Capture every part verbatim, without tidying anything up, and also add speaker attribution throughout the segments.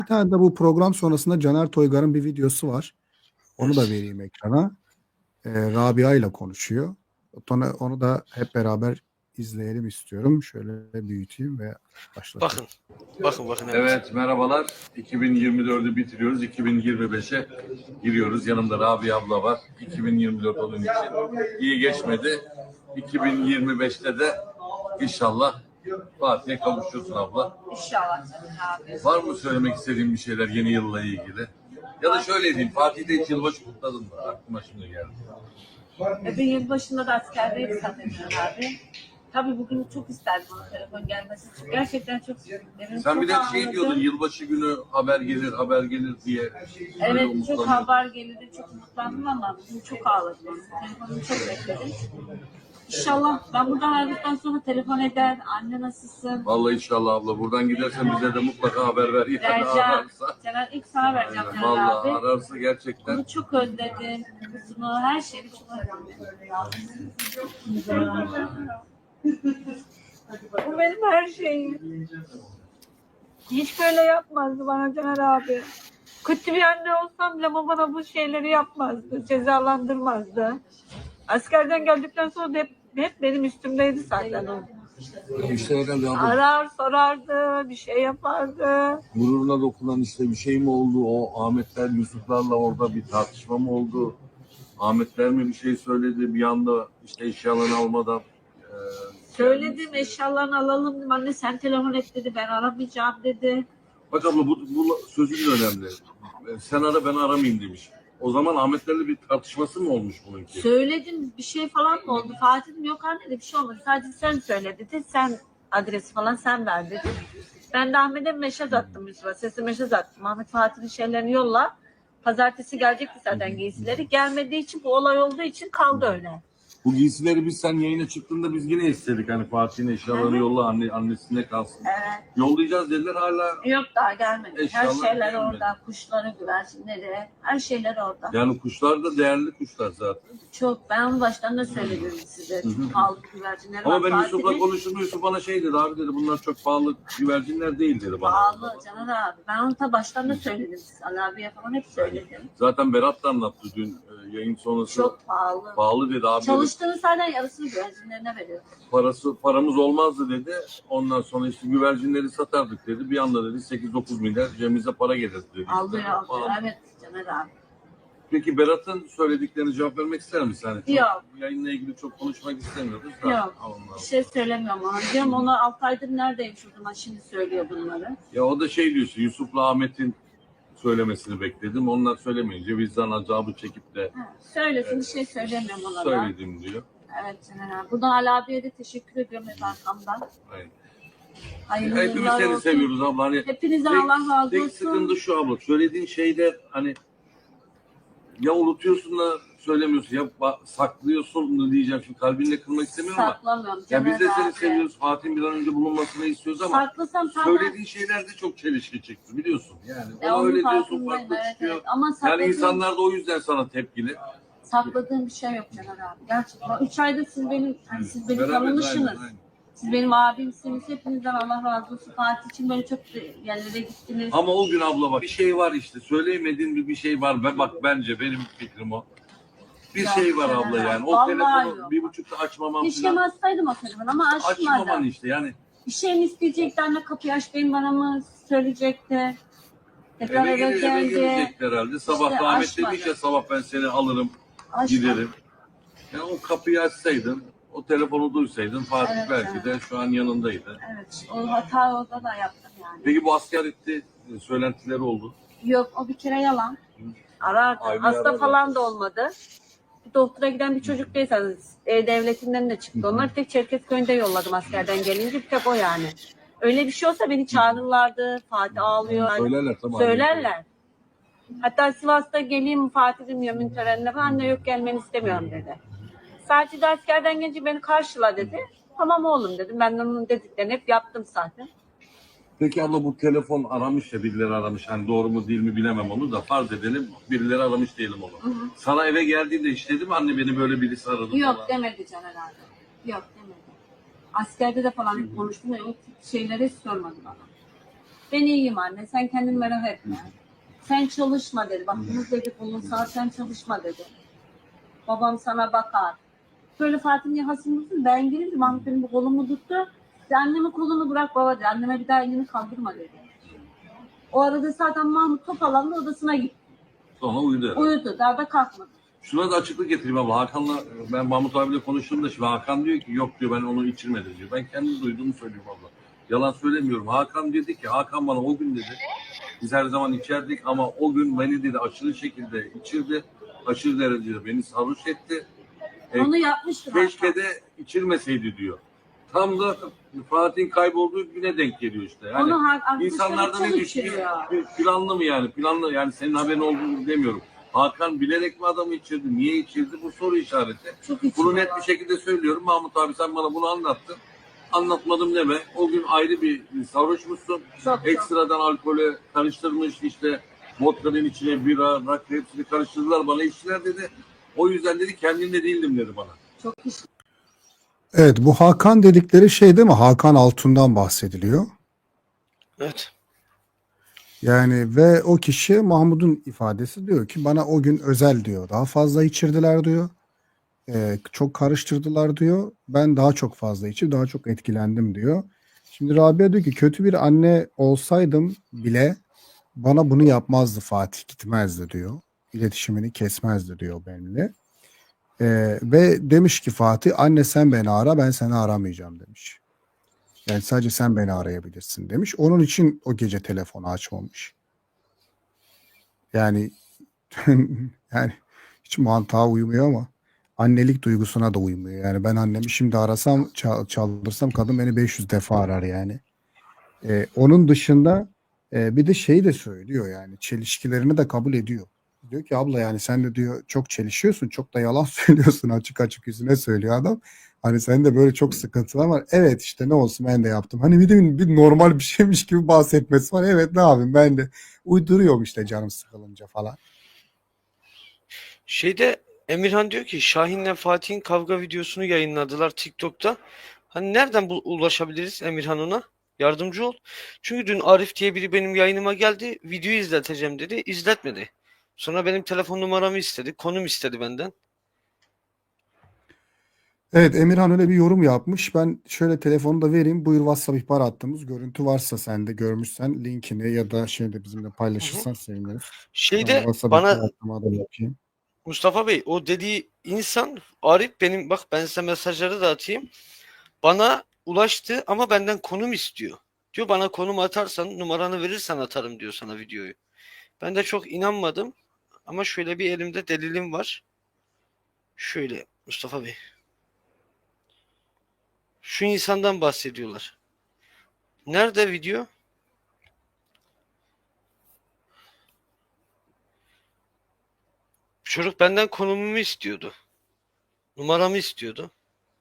Speaker 1: Bir tane de bu program sonrasında Caner Toygar'ın bir videosu var. Onu da vereyim ekrana. Ee, Rabia ile konuşuyor. Onu, onu da hep beraber izleyelim istiyorum. Şöyle büyüteyim ve başlatayım.
Speaker 2: Bakın. Bakın bakın. Evet,
Speaker 3: Evet, merhabalar. iki bin yirmi dördü bitiriyoruz. iki bin yirmi beşe giriyoruz. Yanımda Rabia abla var. iki bin yirmi dört onun için iyi geçmedi. iki bin yirmi beşte de inşallah Fatih'e kavuşursun abla.
Speaker 4: İnşallah abi.
Speaker 3: Var mı söylemek istediğin bir şeyler yeni yılla ilgili? Ya da şöyle diyeyim, Fatih'te hiç yılbaşı kutladın mı? Aklıma şimdi geldi.
Speaker 4: Ben yılbaşında da askerdeydim zaten abi. Tabii bugün çok isterdim ona telefon gelmesi. Çünkü gerçekten çok benim
Speaker 3: Sen
Speaker 4: çok
Speaker 3: bir de şey
Speaker 4: ağladım.
Speaker 3: diyordun, yılbaşı günü haber gelir, haber gelir diye.
Speaker 4: Evet, çok
Speaker 3: umutlanıyordun.
Speaker 4: haber geldi, çok umutlandım ama bugün çok ağladım. Telefonumu çok bekledim. İnşallah ben buradan ayrıldıktan sonra telefon eder, anne nasılsın?
Speaker 3: Vallahi inşallah abla. Buradan gidersen bize de mutlaka haber ver. Yani
Speaker 4: Vereceğim.
Speaker 3: ararsa.
Speaker 4: Caner ilk sana vereceğim Caner
Speaker 3: Vallahi
Speaker 4: abi.
Speaker 3: ararsa gerçekten.
Speaker 4: Onu çok özledim. Kızımı, her şeyi çok özledim. Bu benim her şeyim. Hiç böyle yapmazdı bana Caner abi. Kötü bir anne olsam bile bana bu şeyleri yapmazdı. Cezalandırmazdı. Askerden geldikten sonra da hep, hep benim üstümdeydi zaten o.
Speaker 3: İşte herhalde abla,
Speaker 4: Arar sorardı, bir şey yapardı.
Speaker 3: gururuna dokunan işte bir şey mi oldu? O Ahmetler, Yusuflarla orada bir tartışma mı oldu? Ahmetler mi bir şey söyledi bir anda işte eşyalarını almadan? E,
Speaker 4: Söyledim eşyalarını alalım dedim. Anne sen telefon et dedi. Ben aramayacağım dedi.
Speaker 3: Bak abla bu, bu sözün de önemli. E, Sen ara ben aramayayım demiş. O zaman Ahmetlerle bir tartışması mı olmuş bununki?
Speaker 4: Söyledim bir şey falan mı oldu? Fatih dedim yok anne de bir şey olmadı. Sadece sen söyle dedi. Sen adresi falan sen ver dedi. Ben de Ahmet'e mesaj attım Yusuf'a. Sesi mesaj attım. Ahmet Fatih'in şeylerini yolla. Pazartesi gelecekti zaten giysileri. Gelmediği için bu olay olduğu için kaldı öyle.
Speaker 3: Bu giysileri biz sen yayına çıktığında biz yine istedik. Hani Fatih'in eşyalarını yolla anne, annesine kalsın.
Speaker 4: Evet.
Speaker 3: Yollayacağız dediler hala.
Speaker 4: Yok daha gelmedi. Her
Speaker 3: Eşyalar
Speaker 4: şeyler
Speaker 3: gelmedi.
Speaker 4: orada. Kuşları, güvercinleri. Her şeyler orada.
Speaker 3: Yani kuşlar da değerli kuşlar zaten.
Speaker 4: Çok. Ben onu baştan da söyledim size. Çok pahalı güvercinler var.
Speaker 3: Ama ben Yusuf'la
Speaker 4: Fatih'in
Speaker 3: konuştum. Yusuf bana şey dedi abi dedi bunlar çok pahalı güvercinler değil dedi bana.
Speaker 4: pahalı Caner abi. Ben onu ta baştan da söyledim. Ali abiye falan hep söyledim.
Speaker 3: Zaten Berat da anlattı dün e, yayın sonrası.
Speaker 4: Çok pahalı.
Speaker 3: Pahalı dedi abi. Dedi,
Speaker 4: Çalıştığını zaten yarısını güvercinlerine veriyor.
Speaker 3: parası paramız olmazdı dedi. Ondan sonra işte güvercinleri satardık dedi. Bir anda dedi sekiz dokuz milyar cebimize para gelirdi dedi.
Speaker 4: Alıyor
Speaker 3: İşte,
Speaker 4: alıyor.
Speaker 3: pahalı.
Speaker 4: Evet Caner abi.
Speaker 3: Peki Berat'ın söylediklerine cevap vermek ister misin? Hani çok
Speaker 4: Yok.
Speaker 3: Yayınla ilgili çok konuşmak istemiyoruz da.
Speaker 4: Yok.
Speaker 3: Ondan.
Speaker 4: Bir şey söylemiyorum ona. Diyorum ona altı aydır neredeymiş o zaman şimdi söylüyor bunları.
Speaker 3: Ya o da şey diyorsun Yusuf'la Ahmet'in söylemesini bekledim. Onlar söylemeyince vicdan azabı çekip de
Speaker 4: Ha, söylesin bir şey söylemiyorum ona da.
Speaker 3: söyledim diyor.
Speaker 4: Evet Caner abi. Buradan Ali abiye de teşekkür ediyorum hep arkamdan.
Speaker 3: Aynen.
Speaker 4: Hayırlı
Speaker 3: Hepimiz
Speaker 4: yıllar
Speaker 3: seni
Speaker 4: olsun.
Speaker 3: seviyoruz abla. Hani
Speaker 4: Hepinizden
Speaker 3: tek,
Speaker 4: Allah razı
Speaker 3: tek
Speaker 4: olsun.
Speaker 3: sıkıntı şu abla. Söylediğin şeyde hani ya unutuyorsun da söylemiyorsun ya ba- saklıyorsun da diyeceğim. Şimdi kalbinle kırmak istemiyorum ama
Speaker 4: Saklamıyorum
Speaker 3: ya
Speaker 4: Caner
Speaker 3: biz de seni
Speaker 4: abi.
Speaker 3: seviyoruz. Fatih'in bir an önce bulunmasını istiyoruz ama
Speaker 4: Saklasam tamam.
Speaker 3: söylediğin şeyler de çok çelişki çıktı biliyorsun. Yani
Speaker 4: Ya
Speaker 3: o
Speaker 4: onun
Speaker 3: öyle diyorsun
Speaker 4: farkındayım,
Speaker 3: farklı
Speaker 4: evet,
Speaker 3: çıkıyor.
Speaker 4: evet. Ama
Speaker 3: Yani
Speaker 4: sakladığım,
Speaker 3: insanlar da o yüzden sana tepkili.
Speaker 4: sakladığım bir şey yok Caner abi. Gerçekten. Üç aydır siz benim, yani siz beni
Speaker 3: Beraber,
Speaker 4: tanımışsınız.
Speaker 3: aynen, aynen.
Speaker 4: Siz benim abimsiniz. Hepinizden Allah razı olsun. Fatih için böyle çok yerlere gittiniz.
Speaker 3: Ama o gün abla bak bir şey var işte söyleyemediğin bir bir şey var. Ben bak bence benim fikrim o. Bir
Speaker 4: Ya,
Speaker 3: şey var
Speaker 4: Caner
Speaker 3: abla
Speaker 4: abi,
Speaker 3: yani. O
Speaker 4: vallahi
Speaker 3: telefonu
Speaker 4: yok.
Speaker 3: bir buçukta açmamam
Speaker 4: Keşke
Speaker 3: falan.
Speaker 4: açsaydım o telefonu ama
Speaker 3: Açmaman
Speaker 4: açmadım.
Speaker 3: işte yani.
Speaker 4: Bir şey mi isteyecekti anne kapıyı aç benim bana mı söyleyecekti. Tekrar
Speaker 3: Eve,
Speaker 4: eve
Speaker 3: gelir, eve
Speaker 4: geldi.
Speaker 3: gelecekti herhalde. Sabah
Speaker 4: İşte
Speaker 3: da Ahmet
Speaker 4: açmadı.
Speaker 3: demiş ya sabah ben seni alırım
Speaker 4: Açmadı.
Speaker 3: giderim. Yani o kapıyı açsaydın, o telefonu duysaydın Fatih
Speaker 4: Evet,
Speaker 3: belki
Speaker 4: evet.
Speaker 3: de şu an yanındaydı.
Speaker 4: Evet o hata orada da yaptım yani.
Speaker 3: Peki bu askerlikte söylentileri oldu.
Speaker 4: Yok o bir kere yalan. Arardı.
Speaker 3: Aynen,
Speaker 4: Hasta
Speaker 3: arardı.
Speaker 4: falan da olmadı. Bir doktora giden bir çocuk değilseniz E-Devleti'nden de çıktı. Onlar bir tek Çerkezköy'ünde yolladım askerden gelince bir tek o yani. Öyle bir şey olsa beni çağırırlardı. Fatih ağlıyor.
Speaker 3: Söylerler tamam.
Speaker 4: Söylerler. Hatta Sivas'ta geleyim Fatih dedim yemin törenine falan da yok gelmeni istemiyorum dedi. Sadece de askerden gelince beni karşıla dedi. Tamam oğlum dedim. Ben de onun dediklerini hep yaptım zaten.
Speaker 3: Peki abla bu telefon aramış ya birileri aramış. Hani doğru mu değil mi bilemem onu da farz edelim. Birileri aramış diyelim onu.
Speaker 4: Hı hı.
Speaker 3: Sana eve geldiğinde hiç dedi mi anne beni böyle birisi aradı
Speaker 4: Yok
Speaker 3: falan.
Speaker 4: demedi Caner abi. Yok demedi. Askerde de falan konuştum ya o tip şeyleri hiç sormadı bana. Ben iyiyim anne. Sen kendini merak etme. Sen çalışma dedi. Bak bunu dedi. Bunun sağ sen çalışma dedi. Babam sana bakar. Böyle Fatih'in yakasını tutun. Ben girince Mahmut benim bu kolumu tuttu. Dedi, annemin kolunu bırak baba dedi. Anneme bir daha elini kaldırma dedi. O arada zaten Mahmut topalandı odasına gitti.
Speaker 3: Sonra uyudu herhalde.
Speaker 4: Uyudu. Daha da kalkmadı.
Speaker 3: Şuna da açıklık getireyim abla. Hakan'la ben Mahmut abiyle konuştuğumda şimdi Hakan diyor ki yok diyor ben onu içirmedim diyor. Ben kendim duyduğumu söylüyorum abla. Yalan söylemiyorum. Hakan dedi ki Hakan bana o gün dedi biz her zaman içerdik ama o gün beni dedi aşırı şekilde içirdi. Aşırı derecede beni sarhoş etti. E,
Speaker 4: Onu yapmıştı.
Speaker 3: keşke
Speaker 4: Hakan.
Speaker 3: de içirmeseydi diyor. Tam da Fatih'in kaybolduğu güne denk geliyor işte. Yani
Speaker 4: Onu arkadaşları
Speaker 3: insanlardan
Speaker 4: çok
Speaker 3: ilişki
Speaker 4: içiriyor.
Speaker 3: planlı mı yani? Planlı yani senin haberin olduğunu demiyorum. Hakan bilerek mi adamı içirdi? Niye içirdi? Bu soru işareti.
Speaker 4: Çok
Speaker 3: Bunu
Speaker 4: içiriyor.
Speaker 3: net bir şekilde söylüyorum. Mahmut abi sen bana bunu anlattın. Anlatmadım deme. O gün ayrı bir sarhoşmuşsun.
Speaker 4: Çok, çok.
Speaker 3: Ekstradan alkolü karıştırmış işte vodka'nın içine bira, rakı hepsini karıştırdılar bana içtiler dedi. O yüzden dedi kendimde değildim dedi bana.
Speaker 4: Çok içiriyor.
Speaker 1: Evet, bu Hakan dedikleri şey değil mi? Hakan Altun'dan bahsediliyor.
Speaker 2: Evet.
Speaker 1: Yani ve o kişi Mahmut'un ifadesi diyor ki bana o gün özel diyor. Daha fazla içirdiler diyor. Ee, çok karıştırdılar diyor. Ben daha çok fazla içip daha çok etkilendim diyor. Şimdi Rabia diyor ki kötü bir anne olsaydım bile bana bunu yapmazdı Fatih, gitmezdi diyor. İletişimini kesmezdi diyor benimle. Ee, ve demiş ki Fatih anne sen beni ara ben seni aramayacağım demiş. Yani sadece sen beni arayabilirsin demiş. Onun için o gece telefonu açmamış. Yani yani hiç mantığa uymuyor ama annelik duygusuna da uymuyor. Yani ben annemi şimdi arasam çal- çaldırsam kadın beni beş yüz defa arar yani. Ee, onun dışında e, bir de şeyi de söylüyor yani çelişkilerini de kabul ediyor. Diyor ki abla yani sen de diyor çok çelişiyorsun çok da yalan söylüyorsun açık açık yüzüne söylüyor adam. Hani senin de böyle çok sıkıntılar var. Evet işte ne olsun ben de yaptım. Hani bir de bir normal bir şeymiş gibi bahsetmesi var. Evet ne yapayım ben de uyduruyorum işte canım sıkılınca falan.
Speaker 2: Şeyde Emirhan diyor ki Şahin'le Fatih'in kavga videosunu yayınladılar TikTok'ta. Hani nereden bu, ulaşabiliriz Emirhan ona? Yardımcı ol. Çünkü dün Arif diye biri benim yayınıma geldi. Videoyu izleteceğim dedi. İzletmedi. Sonra benim telefon numaramı istedi. Konum istedi benden.
Speaker 1: Evet Emirhan öyle bir yorum yapmış. Ben şöyle telefonu da vereyim. Buyur WhatsApp ihbar attığımız görüntü varsa sen de görmüşsen linkini ya da şeyde bizimle paylaşırsan seviniriz. Ben
Speaker 2: Şeyde
Speaker 1: WhatsApp
Speaker 2: bana
Speaker 1: ihbar attığıma da yapayım.
Speaker 2: Mustafa Bey o dediği insan Arif benim bak ben size mesajları da atayım. Bana ulaştı ama benden konum istiyor. Diyor bana konum atarsan numaranı verirsen atarım diyor sana videoyu. Ben de çok inanmadım ama şöyle bir elimde delilim var. Şöyle Mustafa Bey. Şu insandan bahsediyorlar. Nerede video? Çocuk benden konumumu istiyordu. Numaramı istiyordu.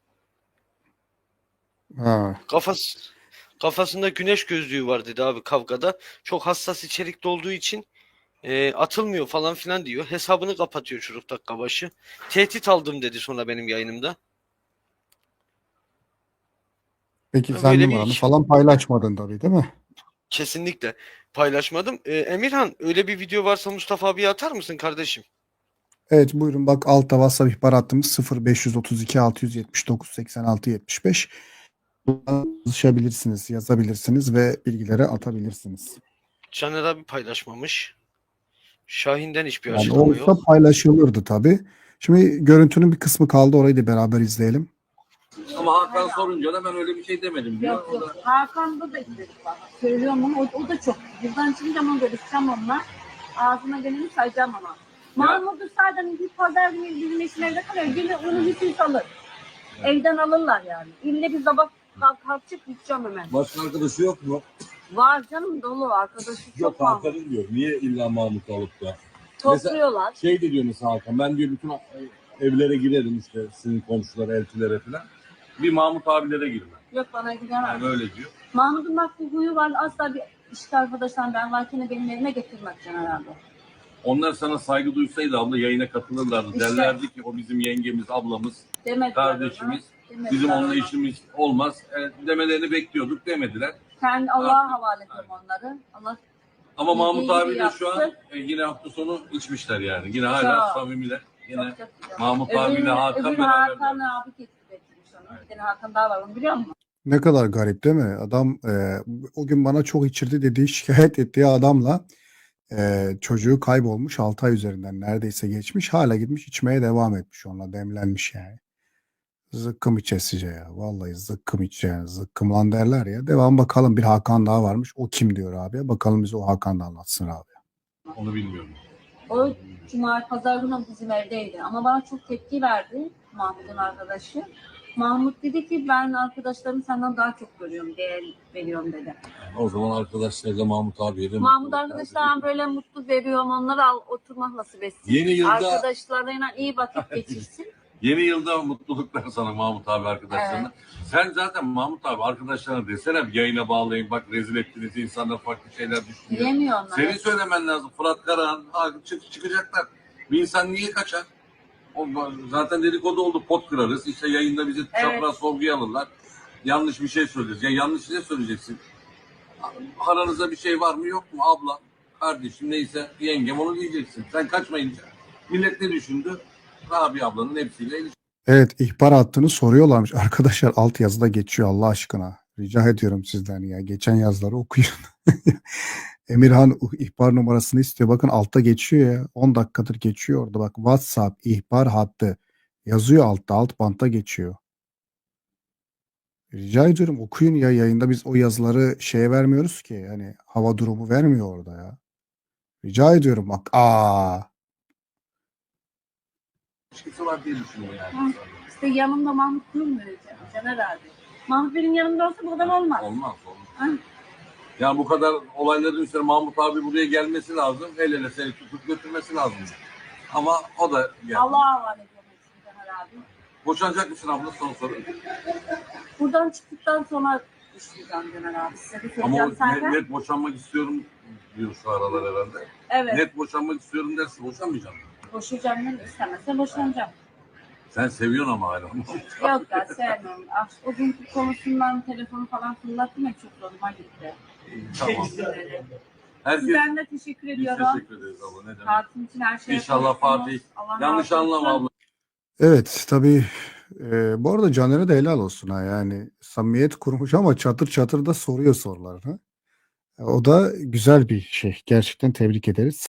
Speaker 1: Ha.
Speaker 2: Kafası, kafasında güneş gözlüğü var dedi abi kavgada. Çok hassas içerikli olduğu için e, atılmıyor falan filan diyor. Hesabını kapatıyor çocuk dakika başı. Tehdit aldım dedi sonra benim yayınımda.
Speaker 1: Peki sen
Speaker 2: Böyle
Speaker 1: numaranı
Speaker 2: bir
Speaker 1: falan paylaşmadın tabii değil mi?
Speaker 2: kesinlikle paylaşmadım. E, Emirhan öyle bir video varsa Mustafa abiye atar mısın kardeşim?
Speaker 1: Evet buyurun bak altta WhatsApp ihbar hattımız sıfır beş otuz iki altı yüz yetmiş dokuz seksen altı yetmiş beş. Buradan yazışabilirsiniz, yazabilirsiniz ve bilgileri atabilirsiniz.
Speaker 2: Caner abi paylaşmamış. Şahin'den hiçbir
Speaker 1: Yani
Speaker 2: açıklama
Speaker 1: olsa
Speaker 2: yok.
Speaker 1: paylaşılırdı tabii. Şimdi görüntünün bir kısmı kaldı orayı da beraber izleyelim.
Speaker 3: Ama Hakan sorunca da ben öyle bir şey demedim diyor.
Speaker 4: Yok
Speaker 3: O da
Speaker 4: yok. Hakan'da da izledik bana. Söylüyorum ama o, o da çok. Buradan çıkınca ama görüşeceğim onunla. Ağzına geleni sayacağım ama. Mahmut'u zaten bir pazar günü bizim eşim evde kalıyor. Gelir onu bir süs alır. Evden alırlar yani. İlle bir sabah kalk, kalkacak gideceğim hemen.
Speaker 3: başka arkadaşı yok mu?
Speaker 4: Var canım dolu arkadaşı
Speaker 3: Yok
Speaker 4: çok Mahmut.
Speaker 3: Hakan'ın diyor. Niye illa Mahmut'u alıp da?
Speaker 4: Topluyorlar.
Speaker 3: Şey de diyor mesela Hakan ben diyor bütün evlere girerim işte sizin komşulara, eltilere falan. Bir Mahmut abilere girmem.
Speaker 4: Yok bana gidemem.
Speaker 3: Yani öyle diyor.
Speaker 4: Mahmut'un bak bir huyu var. Asla bir işte arkadaşlar ben varken benim evime getirmek Caner abi.
Speaker 3: Onlar sana saygı duysaydı abla yayına katılırlardı.
Speaker 4: İşte.
Speaker 3: Derlerdi ki o bizim yengemiz, ablamız,
Speaker 4: Demediler
Speaker 3: kardeşimiz.
Speaker 4: ona. Demediler
Speaker 3: Bizim onunla
Speaker 4: ona.
Speaker 3: işimiz olmaz. E, demelerini bekliyorduk demediler.
Speaker 4: Ben Allah'a havale ediyorum onları. Allah
Speaker 3: Ama
Speaker 4: İyi
Speaker 3: Mahmut
Speaker 4: iyi
Speaker 3: abi de şu an
Speaker 4: yapsın.
Speaker 3: e, yine hafta sonu içmişler yani. Yine hala
Speaker 4: Çok.
Speaker 3: samimiler. Yine
Speaker 4: çok çok güzel.
Speaker 3: Mahmut
Speaker 4: Öbür-
Speaker 3: abiyle Hakan
Speaker 4: öbür
Speaker 3: beraberler.
Speaker 4: Hakan abi getirip getirmiş onu. Bir tane Hakan daha var onu biliyor musun?
Speaker 1: Ne kadar garip değil mi? Adam e, o gün bana çok içirdi dediği, şikayet ettiği adamla e, çocuğu kaybolmuş, altı ay üzerinden neredeyse geçmiş. Hala gitmiş içmeye devam etmiş, onunla demlenmiş yani. Zıkkım içesice ya. Vallahi zıkkım iç yani. Zıkkım lan derler ya. Devam bakalım, bir Hakan daha varmış. O kim diyor abi? Bakalım bize o Hakan da anlatsın abi.
Speaker 3: Onu bilmiyorum.
Speaker 4: O Cuma pazar günü bizim evdeydi ama bana çok tepki verdi Mahmut'un arkadaşı. Mahmut dedi ki ben arkadaşlarımı senden daha çok görüyorum, değer veriyorum dedi.
Speaker 3: O zaman arkadaşlar da Mahmut abiye de
Speaker 4: Mahmut arkadaşlarım böyle mutlu veriyorum, onları al oturmak nasip etsin.
Speaker 3: Yeni yılda-
Speaker 4: Arkadaşlarıyla iyi vakit geçirsin.
Speaker 3: Yeni yılda mutluluklar sana Mahmut abi arkadaşlarına. Sen zaten Mahmut abi arkadaşlarına desene bir yayına bağlayın. Bak rezil ettiniz, insanlar farklı şeyler düşünüyor.
Speaker 4: Diyemiyor onlar.
Speaker 3: Senin söylemen lazım. Fırat Karahan ha, çık, çıkacaklar. Bir insan niye kaçar? O, zaten dedikodu oldu, pot kırarız. İşte yayında bizi
Speaker 4: Evet.
Speaker 3: çapraz sorguya alırlar. Yanlış bir şey söyleriz. Ya yanlış ne söyleyeceksin? Aranızda bir şey var mı yok mu abla? Kardeşim neyse yengem onu diyeceksin. Sen kaçmayınca. Millet ne düşündü? Rabi ablanın hepsiyle ilişki.
Speaker 1: Evet, ihbar hattını soruyorlarmış. Arkadaşlar alt yazıda geçiyor, Allah aşkına. Rica ediyorum sizden ya. Geçen yazıları okuyun. Emirhan ihbar numarasını istiyor. Bakın altta geçiyor ya. on dakikadır geçiyor orada. Bak, WhatsApp ihbar hattı yazıyor altta. Alt bantta geçiyor. Rica ediyorum okuyun ya, yayında biz o yazıları şeye vermiyoruz ki. Yani hava durumu vermiyor orada ya. Rica ediyorum bak. Aa.
Speaker 3: ilişkisi var diye düşünüyor yani.
Speaker 4: Hı. İşte yanımda Mahmut durmuyor Caner abi. Mahmut benim yanımda olsa bu kadar olmaz.
Speaker 3: Olmaz olmaz.
Speaker 4: Hı.
Speaker 3: Yani bu kadar olayların üstüne Mahmut abi buraya gelmesi lazım. El ele seni tutup götürmesi lazım. Ama o da geldi.
Speaker 4: Allah'a havale ediyorum hepsini Caner abi.
Speaker 3: Boşanacak mısın abla, son soru.
Speaker 4: Buradan çıktıktan sonra düşüneceğim Caner abi. Size bir
Speaker 3: Ama
Speaker 4: söyleyeceğim
Speaker 3: o net,
Speaker 4: zaten.
Speaker 3: net boşanmak istiyorum diyor şu aralar herhalde.
Speaker 4: Evet.
Speaker 3: Net boşanmak istiyorum derse boşanmayacağım.
Speaker 4: Boşayacağım ben istemezse boşanacağım.
Speaker 3: Sen seviyorsun ama hala.
Speaker 4: Yok ya sevmiyorum. Ah, o günkü konusundan telefonu falan fırlattım ya çok zoruma gitti.
Speaker 3: Tamam.
Speaker 4: Evet.
Speaker 3: Herkes
Speaker 4: Sizden de teşekkür
Speaker 3: biz
Speaker 4: ediyorum.
Speaker 3: teşekkür ederiz abla. Ne demek?
Speaker 4: Tatil için her şeye
Speaker 3: İnşallah
Speaker 4: konuştunuz.
Speaker 3: Fatih.
Speaker 4: Allah
Speaker 3: Yanlış
Speaker 4: razı olsun.
Speaker 3: anlama abla.
Speaker 1: Evet tabii, e, bu arada Caner'e de helal olsun ha, yani samimiyet kurmuş ama çatır çatır da soruyor sorularını. O da güzel bir şey. Gerçekten tebrik ederiz.